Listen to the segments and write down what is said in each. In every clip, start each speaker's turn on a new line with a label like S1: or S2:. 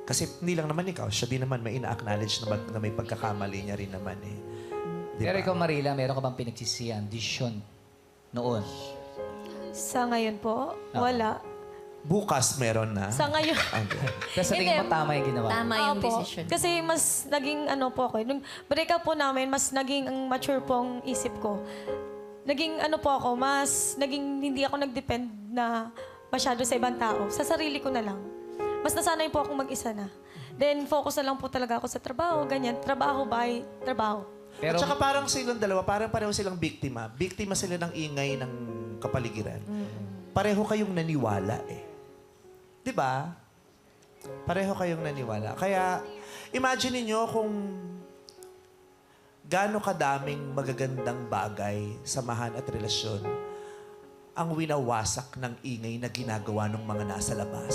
S1: Kasi hindi lang naman ikaw, siya din naman may ina-acknowledge na may pagkakamali niya rin naman eh. Di
S2: Pero
S1: ba?
S2: ikaw, Marila, meron ka bang pinagsisihan, desisyon noon?
S3: Sa ngayon po, wala.
S1: Bukas meron na.
S3: Sa ngayon,
S2: Pero sa tingin mo,
S3: Hindi.
S2: tama yung ginawa mo?
S4: Tama yung
S3: Opo.
S4: decision.
S3: Kasi mas naging ano po ako. Nung break up po namin, mas naging ang mature po ang isip ko. Naging ano po ako, mas naging hindi ako nag-depend na masyado sa ibang tao. Sa sarili ko na lang. Mas nasanay po akong mag-isa na. Then focus na lang po talaga ako sa trabaho, ganyan. Trabaho, bahay, trabaho.
S1: At
S2: Pero,
S1: saka parang silang dalawa, parang pareho silang biktima. Biktima sila ng ingay ng kapaligiran. Pareho kayong naniwala eh. Di ba? Pareho kayong naniwala. Kaya, imagine niyo kung gaano kadaming magagandang bagay, samahan at relasyon ang winawasak ng ingay na ginagawa ng mga nasa labas.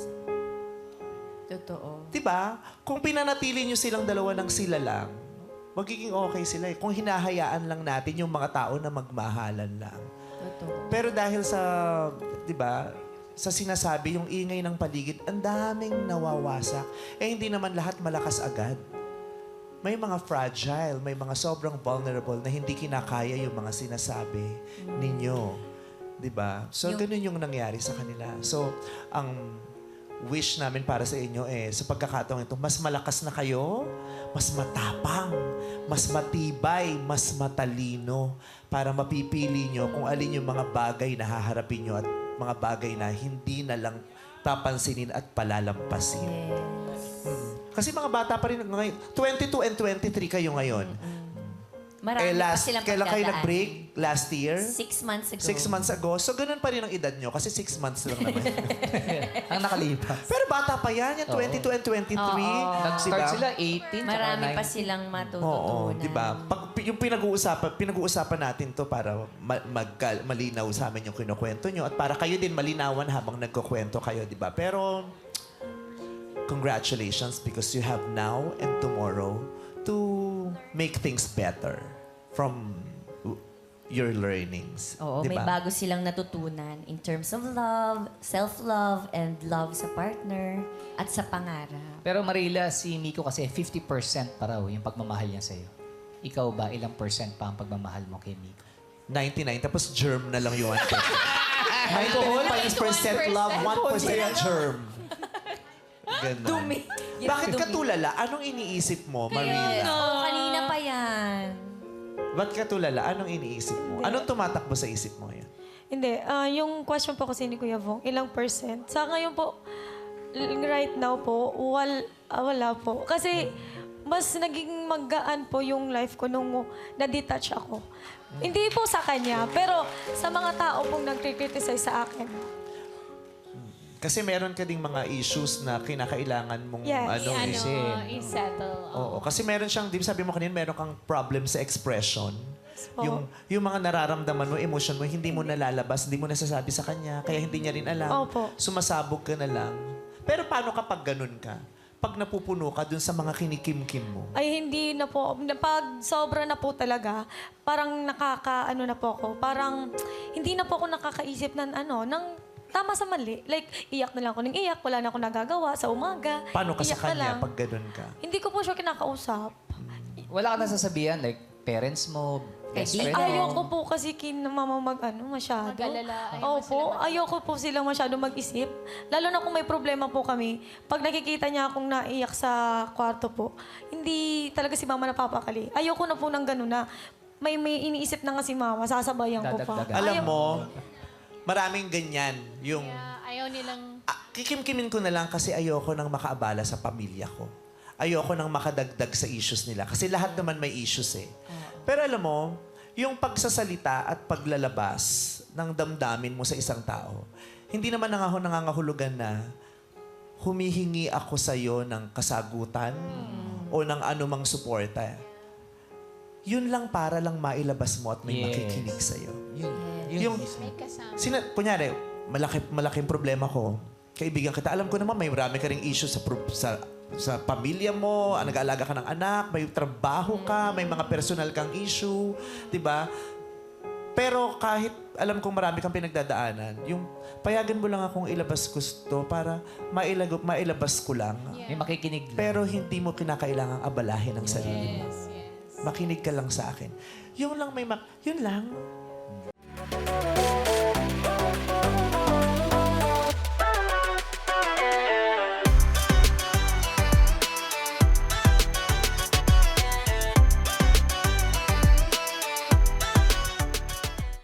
S4: Totoo.
S1: Di ba? Kung pinanatili niyo silang dalawa ng sila lang, magiging okay sila eh. Kung hinahayaan lang natin yung mga tao na magmahalan lang.
S4: Totoo.
S1: Pero dahil sa, di ba, sa sinasabi, yung ingay ng paligid, ang daming nawawasak. Eh, hindi naman lahat malakas agad. May mga fragile, may mga sobrang vulnerable na hindi kinakaya yung mga sinasabi ninyo. Di ba? So, ganun yung nangyari sa kanila. So, ang wish namin para sa inyo sa pagkakataong ito, mas malakas na kayo, mas matapang, mas matibay, mas matalino para mapipili nyo kung alin yung mga bagay na haharapin nyo at mga bagay na hindi na lang papansinin at palalampasin. Kasi mga bata pa rin ngayon. 22 and 23 kayo ngayon.
S4: Marami pa silang
S1: Kailan kayo
S4: pagdadaan.
S1: nag-break? Last year?
S4: 6 months ago.
S1: 6 months ago. So, ganun pa rin ang edad nyo kasi 6 months lang naman.
S2: ang nakalipas.
S1: Pero bata pa yan, yung 22 and 23.
S2: Nag-start
S1: Diba?
S2: sila 18,
S4: Marami
S2: tsaka
S4: pa
S2: 19.
S4: silang
S1: Oo,
S4: matututunan.
S1: di ba? Pag yung pinag-uusapan natin to para malinaw sa amin yung kinukwento nyo at para kayo din malinawan habang nagkukwento kayo, di ba? Pero congratulations because you have now and tomorrow to make things better from your learnings.
S4: Oo,
S1: di
S4: may
S1: ba?
S4: bago silang natutunan in terms of love, self-love, and love sa partner at sa pangarap.
S2: Pero Marila, si Miko kasi 50% pa raw yung pagmamahal niya sa'yo. Ikaw ba, ilang percent pa ang pagmamahal mo kay Miko?
S1: 99, tapos germ na lang yung 1%. 99% love, 1% germ. Ganun.
S4: Dumi.
S1: Bakit ka tulala? Anong iniisip mo, Marila?
S4: Oo, kanina pa yan.
S1: Ba't ka tulala? Anong iniisip mo? Anong tumatakbo sa isip mo yan?
S3: Hindi, yung question po kasi ni Kuya Vong, ilang percent? Sa ngayon po, right now po, wala po. Kasi mas naging magaan po yung life ko nung na-detach ako. Hindi po sa kanya, pero sa mga tao pong nag-criticize sa akin.
S1: Kasi meron ka ding mga issues na kinakailangan mong
S3: Yes.
S5: I-settle.
S1: Oo, kasi meron siyang, di ba sabi mo kanina, meron kang problem sa expression.
S3: Oo.
S1: Yung mga nararamdaman mo, emotion mo, hindi mo nalalabas, hindi mo nasasabi sa kanya, kaya hindi niya rin alam.
S3: Opo.
S1: Sumasabog ka na lang. Pero paano kapag ganun ka? Pag napupuno ka dun sa mga kinikimkim mo?
S3: Ay, hindi na po. Pag sobra na po talaga, parang nakaka-ano na po ako. Parang hindi na po ako nakakaisip ng ng tama sa mali. Like, iyak na lang ako ng iyak. Wala na ako nagagawa sa umaga.
S1: Paano ka sa
S3: Iyak na
S1: kanya
S3: lang.
S1: pag ganun ka?
S3: Hindi ko po siya kinakausap.
S2: Wala ka nasasabihan, like parents mo, best friend mo.
S3: Ayoko po kasi mama masyado.
S5: Mag-alala, ayaw mo
S3: Opo, ayoko po sila masyado mag-isip. Lalo na kung may problema po kami. Pag nakikita niya akong naiyak sa kwarto po, hindi talaga si mama napapakali. Ayoko na po ng gano'n na may iniisip na nga si mama, sasabayan ko pa.
S2: Dadagdagan.
S1: Alam mo, maraming ganyan. Yung,
S5: Ayaw nilang...
S1: kikimkimin ko na lang kasi ayoko nang makaabala sa pamilya ko. Ayoko nang makadagdag sa issues nila. Kasi lahat naman may issues eh. Pero alam mo, yung pagsasalita at paglalabas ng damdamin mo sa isang tao, hindi naman nangangahulugan na humihingi ako sa'yo ng kasagutan o ng anumang suporta. Yun lang para lang mailabas mo at may
S2: Yes.
S1: makikinig sa'yo.
S2: Yun
S1: Yung,
S5: May kasama.
S1: kunyari, malaking problema ko. Kaibigan kita, alam ko naman may marami ka ring issues sa pamilya mo, nag-aalaga ka ng anak, may trabaho ka, may mga personal kang issue, di ba? Pero kahit alam kong marami kang pinagdadaanan, yung payagan mo lang akong ilabas gusto para mailabas ko lang.
S2: May makikinig lang.
S1: Pero hindi mo kinakailangang abalahin ang sarili mo.
S5: Yes, yes.
S1: Makinig ka lang sa akin. Yun lang.